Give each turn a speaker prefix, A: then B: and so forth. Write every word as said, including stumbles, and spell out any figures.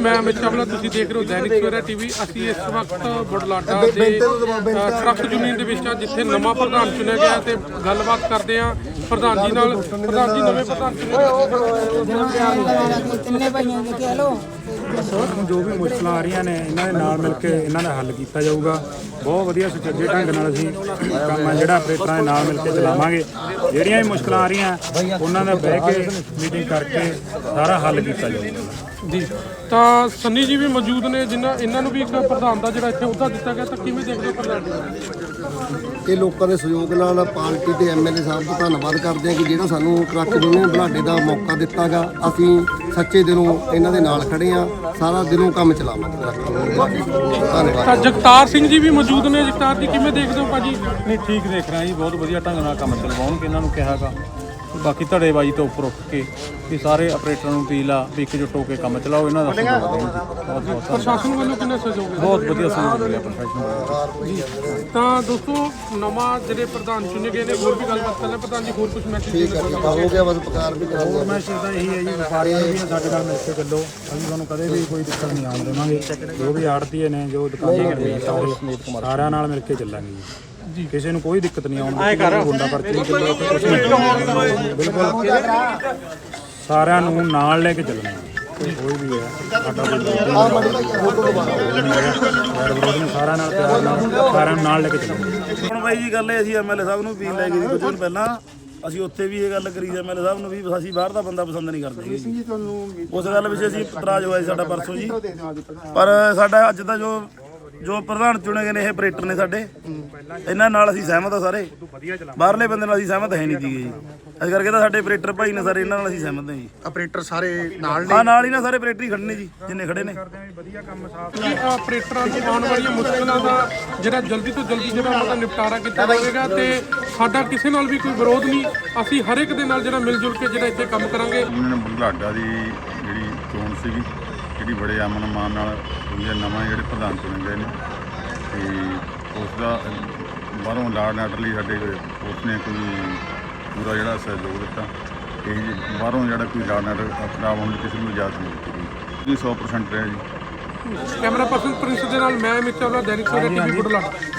A: मैं अमित चावला, तुसीं देख रहे हो दैनिक सवेरा टीवी। ਅਸੀਂ ਇਸ ਵਕਤ ਬੁਢਲਾਡਾ ਦੇ ਟਰੱਕ ਯੂਨੀਅਨ ਦੇ ਵਿੱਚ ਜਿੱਥੇ ਨਵਾਂ ਪ੍ਰਧਾਨ ਚੁਣਿਆ ਗਿਆ ਤੇ ਗੱਲਬਾਤ ਕਰਦੇ ਆ ਪ੍ਰਧਾਨ ਜੀ ਨਾਲ। ਪ੍ਰਧਾਨ ਜੀ ਨਵੇਂ ਪ੍ਰਧਾਨ
B: ਕਿੰਨੇ ਭਾਈਆਂ ਦੇ ਕਹਿ ਲੋ
C: ਜੋ ਵੀ ਮੁਸ਼ਕਲਾਂ ਆ ਰਹੀਆਂ ਨੇ ਇਹਨਾਂ ਦੇ ਨਾਲ ਮਿਲ ਕੇ ਇਹਨਾਂ ਦਾ ਹੱਲ ਕੀਤਾ ਜਾਊਗਾ। ਬਹੁਤ ਵਧੀਆ ਸੁਚੱਜੇ ਢੰਗ ਨਾਲ ਅਸੀਂ ਕੰਮ ਆ ਜਿਹੜਾ ਆਪਰੇਟਰਾਂ ਦੇ ਨਾਲ ਮਿਲ ਕੇ ਚਲਾਵਾਂਗੇ। ਜਿਹੜੀਆਂ ਵੀ ਮੁਸ਼ਕਲਾਂ ਆ ਰਹੀਆਂ ਉਹਨਾਂ ਦਾ ਬਹਿ ਕੇ ਮੀਟਿੰਗ ਕਰਕੇ ਸਾਰਾ ਹੱਲ ਕੀਤਾ ਜਾਊਗਾ
A: ਜੀ। ਤਾਂ ਸੰਨੀ ਜੀ ਵੀ ਮੌਜੂਦ ਨੇ ਜਿਨ੍ਹਾਂ ਇਹਨਾਂ ਨੂੰ ਵੀ ਇੱਕ ਪ੍ਰਧਾਨ ਦਾ ਜਿਹੜਾ ਇੱਥੇ ਅਹੁਦਾ ਦਿੱਤਾ ਗਿਆ, ਤਾਂ ਕਿਵੇਂ ਦੇਖਦੇ ਹੋ ਪ੍ਰਧਾਨ ਜੀ?
D: ਇਹ ਲੋਕਾਂ ਦੇ ਸਹਿਯੋਗ ਨਾਲ ਪਾਰਟੀ ਤੇ ਐਮਐਲਏ ਸਾਹਿਬ ਦਾ ਧੰਨਵਾਦ ਕਰਦੇ ਹਾਂ ਕਿ ਜਿਹੜਾ ਸਾਨੂੰ ਟਰੱਕ ਯੂਨੀਅਨ ਬੁਢਲਾਡੇ ਦਾ ਮੌਕਾ ਦਿੱਤਾ ਗਾ। ਅਸੀਂ ਸੱਚੇ ਦਿਲੋਂ ਇਹਨਾਂ ਦੇ ਨਾਲ ਖੜੇ ਆ, ਸਾਰਾ ਦਿਲੋਂ ਕੰਮ ਚਲਾਵਾਂਗੇ। ਧੰਨਵਾਦ।
A: ਤਾਂ ਜਗਤਾਰ ਸਿੰਘ ਜੀ ਵੀ ਮੌਜੂਦ ਨੇ। ਜਗਤਾਰ ਜੀ ਕਿਵੇਂ ਦੇਖਦੇ ਹੋ ਭਾਜੀ?
E: ਨਹੀਂ ਠੀਕ ਦੇਖ ਰਿਹਾ ਜੀ, ਬਹੁਤ ਵਧੀਆ ਢੰਗ ਨਾਲ ਕੰਮ ਚਲਵਾਉਣਗੇ। ਇਹਨਾਂ ਨੂੰ ਕਿਹਾਗਾ ਬਾਕੀ ਧੜੇਬਾਜ਼ੀ ਤੋਂ ਉੱਪਰ ਉੱਠ ਕੇ ਵੀ ਸਾਰੇ ਆਪਰੇਟਰਾਂ ਨੂੰ ਅਪੀਲ ਆ ਵੀ ਇੱਕਜੁੱਟ ਹੋ ਕੇ ਕੰਮ ਚਲਾਓ। ਇਹਨਾਂ ਦਾ ਸਹਿਯੋਗ ਦੇਣ ਜੀ। ਬਹੁਤ ਬਹੁਤ
A: ਪ੍ਰਸ਼ਾਸਨ ਵੱਲੋਂ ਕਿੰਨਾ ਸਹਿਯੋਗ ਹੈ?
E: ਬਹੁਤ ਵਧੀਆ ਸਹਿਯੋਗ ਮਿਲਿਆ ਪ੍ਰਸ਼ਾਸਨ ਵੱਲੋਂ ਜੀ।
A: ਤਾਂ ਦੋਸਤੋ ਨਵਾਂ ਜਿਹੜੇ ਪ੍ਰਧਾਨ ਚੁਣੇ ਗਏ ਨੇ, ਹੋਰ ਵੀ ਗੱਲਬਾਤ ਕਰਨਾ। ਪ੍ਰਧਾਨ ਜੀ ਹੋਰ ਕੁਝ ਮੈਸੇਜ
D: ਠੀਕ ਹੈ ਜੀ, ਹੋ ਗਿਆ ਬਸ ਪਕਾਰ ਵੀ ਕਰਾਂਗੇ।
C: ਹੋਰ ਮੈਸੇਜ ਤਾਂ ਇਹੀ ਹੈ ਜੀ, ਵਪਾਰੀਆਂ ਨੂੰ ਵੀ ਸਾਡੇ ਨਾਲ ਮਿਲ ਕੇ ਚੱਲੋ। ਅਸੀਂ ਤੁਹਾਨੂੰ ਕਦੇ ਵੀ ਕੋਈ ਦਿੱਕਤ ਨਹੀਂ ਆਉਣ ਦੇਵਾਂਗੇ। ਜੋ ਵੀ ਆੜਤੀਏ ਨੇ, ਜੋ ਦੁਕਾਨਦਾਰ ਨੇ, ਸਾਰੇ ਸਾਰਿਆਂ ਨਾਲ ਮਿਲ ਕੇ ਚੱਲਾਂਗੇ ਜੀ। ਕਿਸੇ ਨੂੰ ਕੋਈ ਦਿੱਕਤ ਨਹੀਂ ਆਉਣ ਗੁੰਡਾ ਪਰਚੀ ਬਿਲਕੁਲ ਸਾਰਿਆਂ ਨੂੰ ਨਾਲ ਲੈ ਕੇ ਚੱਲਣਾ। ਕੋਈ ਵੀ ਹੈ ਸਾਡਾ ਸਾਰਿਆਂ ਨਾਲ ਪਿਆਰ ਨਾਲ ਸਾਰਿਆਂ ਨੂੰ ਨਾਲ ਲੈ ਕੇ ਚੱਲਣਾ।
F: ਹੁਣ ਬਾਈ ਜੀ ਗੱਲ ਇਹ ਅਸੀਂ ਐਮਐਲਏ ਸਾਹਿਬ ਨੂੰ ਅਪੀਲ ਲੈ ਗਏ ਸੀ ਕੁਝ ਦਿਨ ਪਹਿਲਾਂ। ਅਸੀਂ ਉੱਥੇ ਵੀ ਇਹ ਗੱਲ ਕਰੀ ਸੀ ਐਮਐਲਏ ਸਾਹਿਬ ਨੂੰ ਵੀ ਅਸੀਂ ਬਾਹਰ ਦਾ ਬੰਦਾ ਪਸੰਦ ਨਹੀਂ ਕਰਦੇ ਜੀ। ਉਸ ਗੱਲ ਵਿੱਚ ਅਸੀਂ ਇਤਰਾਜ਼ ਹੋਇਆ ਸੀ ਸਾਡਾ ਪਰਸੋਂ ਜੀ। ਪਰ ਸਾਡਾ ਅੱਜ ਦਾ ਜੋ ਜੋ ਪ੍ਰਧਾਨ ਚੁਣੇ ਗਏ ਨੇ ਇਹ ਆਪਰੇਟਰ ਨੇ ਸਾਡੇ, ਇਹਨਾਂ ਨਾਲ ਅਸੀਂ ਸਹਿਮਤ ਆ ਸਾਰੇ। ਬਾਹਰਲੇ ਬੰਦੇ ਨਾਲ ਅਸੀਂ ਸਹਿਮਤ ਹੈ ਨਹੀਂ ਜੀ ਜੀ। ਇਸ ਕਰਕੇ ਤਾਂ ਸਾਡੇ ਆਪਰੇਟਰ ਭਾਈ ਨੇ ਸਾਰੇ, ਇਹਨਾਂ ਨਾਲ ਅਸੀਂ ਸਹਿਮਤ ਹਾਂ ਜੀ।
D: ਆਪਰੇਟਰ ਸਾਰੇ ਨਾਲ
F: ਹਾਂ ਨਾਲ ਹੀ ਨਾ ਸਾਰੇ ਆਪਰੇਟਰ ਹੀ ਖੜੇ ਨੇ ਜੀ, ਜਿੰਨੇ ਖੜੇ ਨੇ।
A: ਆਪਰੇਟਰਾਂ ਨੂੰ ਆਉਣ ਵਾਲੀਆਂ ਮੁਸ਼ਕਲਾਂ ਦਾ ਜਿਹੜਾ ਜਲਦੀ ਤੋਂ ਜਲਦੀ ਜਿਹੜਾ ਉਹਨਾਂ ਦਾ ਨਿਪਟਾਰਾ ਕੀਤਾ ਜਾਵੇਗਾ ਤੇ ਸਾਡਾ ਕਿਸੇ ਨਾਲ ਵੀ ਕੋਈ ਵਿਰੋਧ ਨਹੀਂ। ਅਸੀਂ ਹਰ ਇੱਕ ਦੇ ਨਾਲ ਜਿਹੜਾ ਮਿਲ ਜੁਲ ਕੇ ਜਿਹੜਾ ਇੱਥੇ ਕੰਮ ਕਰਾਂਗੇ।
G: ਯੂਨੀਅਨ ਬੁਢਲਾਡਾ ਦੀ ਜਿਹੜੀ ਚੋਣ ਸੀਗੀ ਜਿਹੜੀ ਬੜੇ ਅਮਨ ਮਾਨ ਨਾਲ ਹੋਈ ਹੈ। ਨਵਾਂ ਜਿਹੜੇ ਪ੍ਰਧਾਨ ਚੁਣੇ ਗਏ ਨੇ ਤੇ ਉਸ ਦਾ ਬਾਹਰੋਂ ਲਾਡ ਆਰਡਰ ਲਈ ਸਾਡੇ ਉਸਨੇ ਕੋਈ ਪੂਰਾ ਜਿਹੜਾ ਸਹਿਯੋਗ ਦਿੱਤਾ। ਇਹ ਬਾਹਰੋਂ ਜਿਹੜਾ ਕੋਈ ਲਾਡ ਆਰਡਰ ਖਰਾਬ ਹੋਣ ਦੀ ਕਿਸੇ ਨੂੰ ਇਜਾਜ਼ਤ ਨਹੀਂ ਦਿੱਤੀ ਗਈ। ਸੌ ਪਰਸੈਂਟ ਰਿਹਾ ਜੀ।
A: ਕੈਮਰਾ ਪਰਸਨ ਪ੍ਰਿੰਸ ਦੇ ਨਾਲ ਮੈਂ ਅਮਿਤ ਚਾਵਲਾ, दैनिक सवेरा टीवी बुढलाडा।